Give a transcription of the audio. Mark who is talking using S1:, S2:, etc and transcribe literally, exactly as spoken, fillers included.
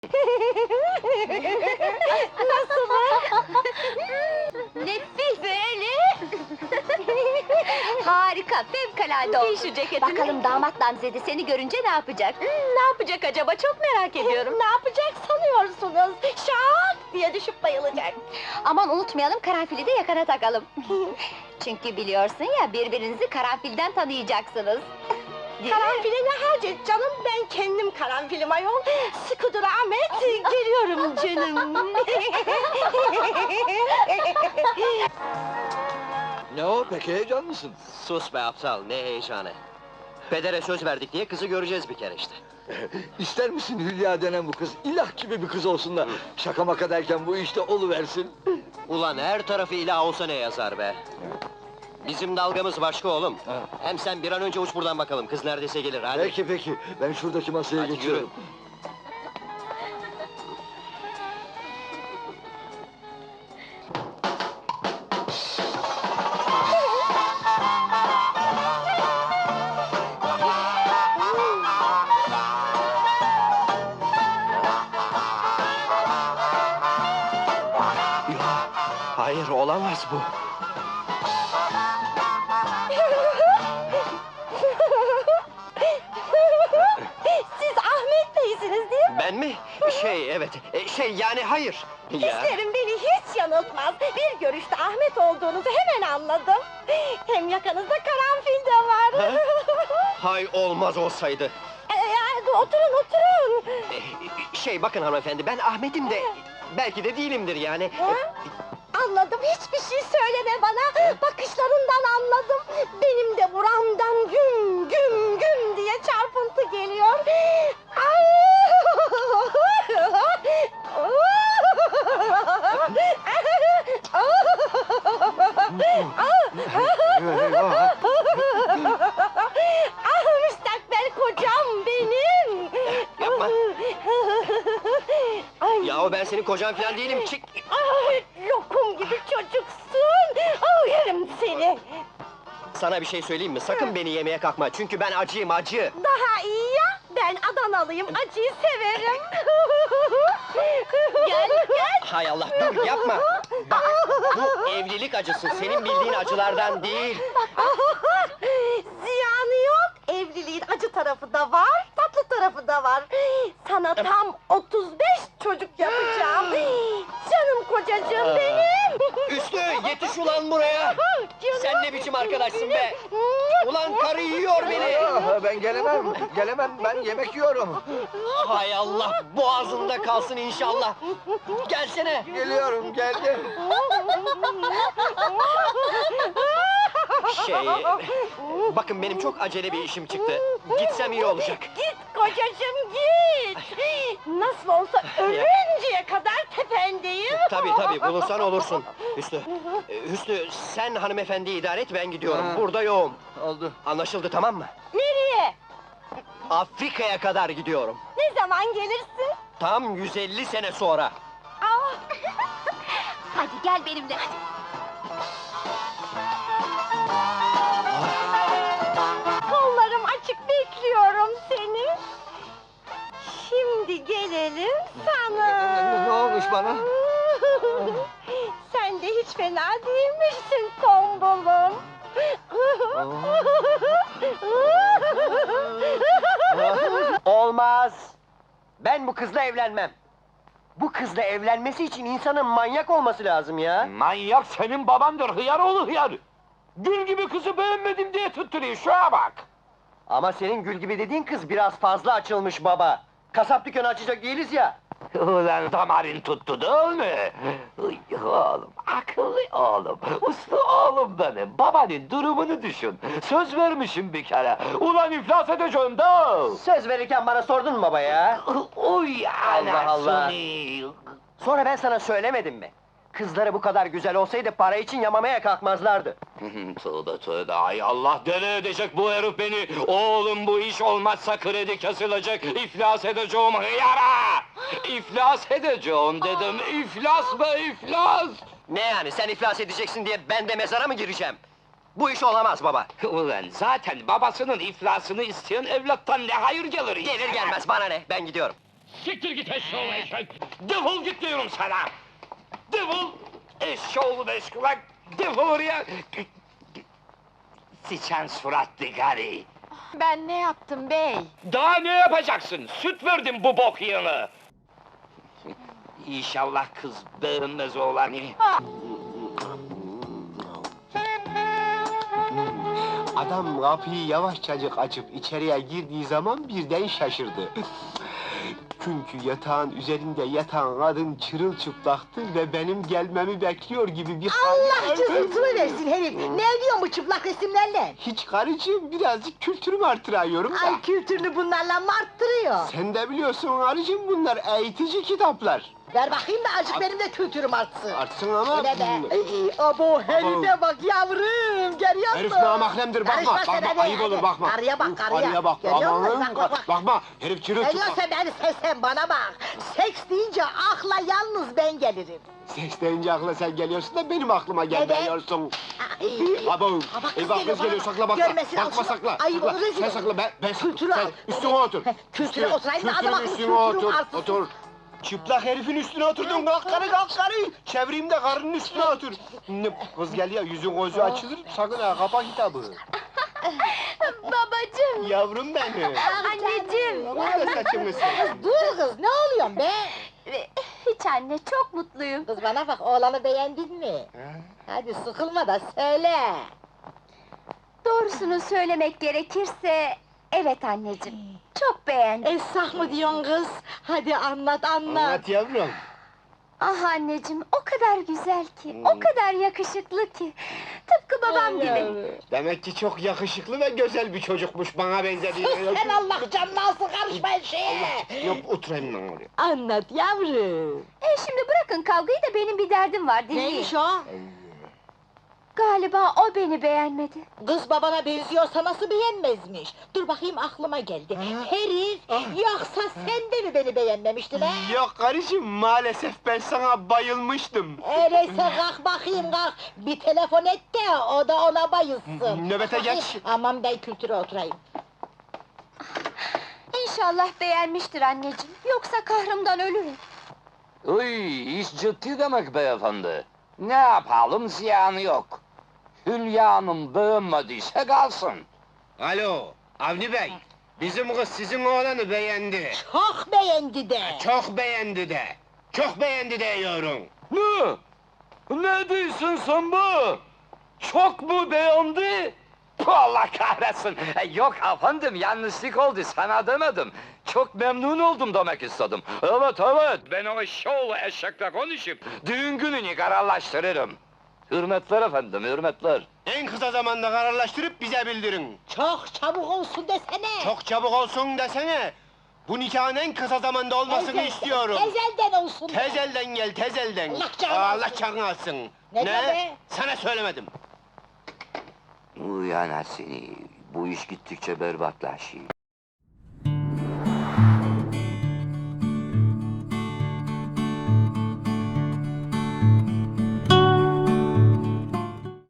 S1: Nasıl? Nefis öyle! Harika, fevkalade oldu.
S2: Giy şu ceketini.
S1: Bakalım damat Namzede seni görünce ne yapacak?
S2: Hmm, ne yapacak acaba? Çok merak ediyorum.
S1: Ne yapacak sanıyorsunuz? Şak diye düşüp bayılacak. Aman unutmayalım, karanfili de yakana takalım. Çünkü biliyorsun ya, birbirinizi karanfilden tanıyacaksınız.
S2: Karanfile ne hacet canım? Ben kendim karanfilim ayol. Sıkıdır Ahmet, geliyorum canım.
S3: Ne o, pek heyecanlısın.
S4: Sus be aptal, ne heyecanı! Pedere söz verdik diye kızı göreceğiz bir kere işte.
S3: İster misin Hülya denen bu kız, ilah gibi bir kız olsun da... ...şaka maka derken bu işte oluversin.
S4: Ulan her tarafı ilah olsa ne yazar be! Bizim dalgamız başka oğlum.
S3: Ha.
S4: Hem sen bir an önce uç buradan bakalım, kız neredeyse gelir, hadi!
S3: Peki peki, ben şuradaki masaya
S4: Hadi
S3: geçiyorum.
S4: Hayır, olamaz bu!
S2: Siz Ahmet Bey'siniz değil mi?
S4: Ben mi? Şey, evet, e, şey yani hayır! Ya,
S2: Hislerim beni hiç yanıltmaz. Bir görüşte Ahmet olduğunuzu hemen anladım. Hem yakanızda karanfil de var.
S4: hay olmaz olsaydı!
S2: Ee, oturun oturun.
S4: E, Şey, bakın hanımefendi, ben Ahmet'im de... ...belki de değilimdir yani.
S2: Ha? Anladım, hiçbir şey söyleme bana! Bakışlarından anladım! Benim de buramdan güm güm güm diye çarpıntı geliyor! Ay! Ah, müstakbel kocam benim!
S4: Yapma!
S2: Ay!
S4: Yahu ben senin kocan falan değilim, çık!
S2: Ay, lokum gibi çocuksun! Oh, yerim seni!
S4: Sana bir şey söyleyeyim mi? Sakın beni yemeye kalkma, çünkü ben acıyım, acı!
S2: Daha iyi ya, ben Adanalıyım, acıyı severim! Gel, gel!
S4: Hay Allah, dur yapma! Bak, bu evlilik acısı, senin bildiğin acılardan değil!
S2: Ziyanı yok, evliliğin acı tarafı da var, tatlı tarafı da var! Sana tam otuz beş çocuk yapacağım! Canım kocacığım benim!
S4: Üstü, yetiş ulan buraya! Sen ne biçim arkadaşsın be? Ulan karı yiyor beni!
S3: Ah, ben gelemem, gelemem, ben yemek yiyorum.
S4: Hay Allah, boğazında kalsın inşallah! Gelsene!
S3: Geliyorum, geldim.
S4: Şey, bakın benim çok acele bir işim çıktı. Gitsem iyi olacak.
S2: Git kocacığım git! Nasıl olsa ölünceye kadar tependeyim!
S4: Tabii tabii, bulursan olursun. Hüsnü, e, Hüsnü sen hanımefendiyi idare et, ben gidiyorum.
S3: Ha.
S4: Burada yoğum.
S3: Oldu.
S4: Anlaşıldı, tamam mı?
S2: Nereye?
S4: Afrika'ya kadar gidiyorum.
S2: Ne zaman gelirsin?
S4: Tam yüz elli sene sonra.
S2: Aa!
S1: Hadi gel benimle, hadi!
S2: Kollarım açık bekliyorum seni. Şimdi gelelim sana.
S3: Ne- ne olmuş bana?
S2: Sen de hiç fena değilmişsin tombulum.
S4: Olmaz! Ben bu kızla evlenmem. Bu kızla evlenmesi için insanın manyak olması lazım ya.
S5: Manyak senin babandır, hıyar oğlu hıyar! Gül gibi kızı beğenmedim diye tutturuyor, şuna bak!
S4: Ama senin gül gibi dediğin kız biraz fazla açılmış baba. Kasap dükkanı açacak değiliz ya.
S5: Ulan damarın tuttu değil mi? Uy, oğlum, akıllı oğlum, uslu oğlum benim, babanın durumunu düşün. Söz vermişim bir kere, ulan iflas edeceğim da!
S4: Söz verirken bana sordun mu baba ya?
S5: Uy
S4: Allah Allah.
S5: anasını!
S4: Sonra ben sana söylemedim mi? Kızları bu kadar güzel olsaydı para için yamamaya kalkmazlardı.
S5: Tövbe tövbe, ay Allah deli edecek bu herif beni! Oğlum bu iş olmazsa kredi kesilecek, iflas edeceğim hıyara! İflas edeceğim dedim, iflas be iflas!
S4: Ne yani, sen iflas edeceksin diye ben de mezara mı gireceğim? Bu iş olamaz baba.
S5: Ulan zaten babasının iflasını isteyen evlattan ne hayır gelir?
S4: Gelir gelmez bana ne, ben gidiyorum.
S5: Siktir git eşşoğlu eşek! Defol git diyorum sana! Defol! Eşşoğlu beş kulak! Defol oraya! Sıçan suratlı gari!
S2: Ben ne yaptım bey?
S5: Daha ne yapacaksın? Süt verdim bu bok yığını! İnşallah kız beğenmez oğlanı.
S6: Adam kapıyı yavaşçacık açıp içeriye girdiği zaman birden şaşırdı. Çünkü yatağın üzerinde yatan kadın çırılçıplaktı ve benim gelmemi bekliyor gibi bir
S2: Allah cızıltını versin herif! Ne ediyorsun bu çıplak resimlerle?
S6: Hiç karıcığım, birazcık kültürümü artırıyorum da.
S2: Ay kültürünü bunlarla mı arttırıyor?
S6: Sen de biliyorsun karıcığım, bunlar eğitici kitaplar.
S2: Ver bakayım da azıcık benim de kültürüm artsın.
S6: Artsın ama...
S2: Öyle be! Ay, abo herife bak yavrum, görüyor musun?
S6: Herif namahremdir, bakma,
S2: Karışma sen
S6: bakma,
S2: hadi,
S6: ayıp olur,
S2: hadi.
S6: bakma.
S2: Karıya bak, karıya.
S6: Karıya bak,
S2: Görüyor musun?
S6: aman,
S2: Bak, bak, bak.
S6: bakma, herif çırılçıplak.
S2: Geliyorsa beni sen bana bak! Seks deyince akla yalnız ben gelirim.
S6: Ses deyince akla sen geliyorsun da benim aklıma gelmiyorsun.
S2: Ay,
S6: Abo,
S2: Ha, bak, kız
S6: eyvah
S2: geliyor,
S6: kız geliyor,
S2: bak.
S6: sakla bakma,
S2: Görmesin, al
S6: bakma
S2: şunu.
S6: sakla.
S2: Ayıp
S6: sakla.
S2: olur, rezil
S6: Sen
S2: olur.
S6: sakla, ben, ben,
S2: Kültürü
S6: sen
S2: al.
S6: üstüne otur.
S2: Kültüre
S6: Üstüne-
S2: oturayım da
S6: kültürün
S2: adama kız
S6: üstüne
S2: kültürüm
S6: otur,
S2: artsın.
S6: otur. Çıplak herifin üstüne oturdun, kalk karı, kalk karı! Çevireyim de karının üstüne otur. Ne, kız geliyor, yüzün gözü açılır, sakın ha, kapa kitabı.
S1: Babacığım!
S6: Yavrum benim.
S1: Anneciğim!
S6: Aman da saçımı sen.
S2: Dur kız, ne oluyorsun be?
S1: Hiç anne, çok mutluyum.
S2: Kız bana bak, oğlanı beğendin mi? Hadi sıkılma da söyle.
S1: Doğrusunu söylemek gerekirse... Evet anneciğim, çok beğendim.
S2: Esah mı diyorsun kız? Hadi anlat, anlat.
S6: Anlat yavrum.
S1: Ah anneciğim, o kadar güzel ki, o kadar yakışıklı ki. Tıpkı babam gibi.
S6: Demek ki çok yakışıklı ve güzel bir çocukmuş, bana benzediği.
S2: Sus sen Allah canını alsın, karışma her şeye!
S6: Yok, oturayım lan oraya.
S2: Anlat yavrum!
S1: E şimdi bırakın kavgayı da benim bir derdim var, dinleyin.
S2: Neymiş o?
S1: Galiba o beni beğenmedi.
S2: Kız babana benziyorsa nasıl beğenmezmiş? Dur bakayım, aklıma geldi. Herif, yoksa sen de mi beni beğenmemiştin ha?
S6: Yok karıcığım, maalesef ben sana bayılmıştım.
S2: Öyleyse kalk bakayım kalk, bir telefon et de o da ona bayılsın.
S6: Nöbete geç.
S2: Aman ben kültüre oturayım.
S1: İnşallah beğenmiştir anneciğim, yoksa kahrımdan ölürüm.
S5: Uy, iş ciddi demek beyefendi. Ne yapalım, ziyanı yok. Hülya Hanım beğenmediyse kalsın.
S6: Alo, Avni Bey. Bizim kız sizin oğlanı beğendi.
S2: Çok beğendi de.
S6: Çok beğendi de. Çok beğendi de diyorum.
S5: Ne? Ne diyorsun sen bu? Çok mu beğendi? Puh, Allah kahretsin! E, Yok efendim, yanlışlık oldu, sana demedim. Çok memnun oldum demek istedim. Evet, evet, ben o şovlu eşekle konuşup düğün gününü kararlaştırırım. Hürmetler efendim, hürmetler.
S6: En kısa zamanda kararlaştırıp bize bildirin.
S2: Çok çabuk olsun desene.
S6: Çok çabuk olsun desene. Bu nikahın en kısa zamanda olmasını
S2: Tezel-
S6: istiyorum.
S2: Tezelden olsun. de.
S6: Tezelden gel, tezelden.
S2: Allah canını
S6: Allah
S2: alsın.
S6: canını alsın.
S2: Ne diyor be?
S6: Sana söylemedim.
S5: Uyan seni, bu iş gittikçe berbatlaşıyor.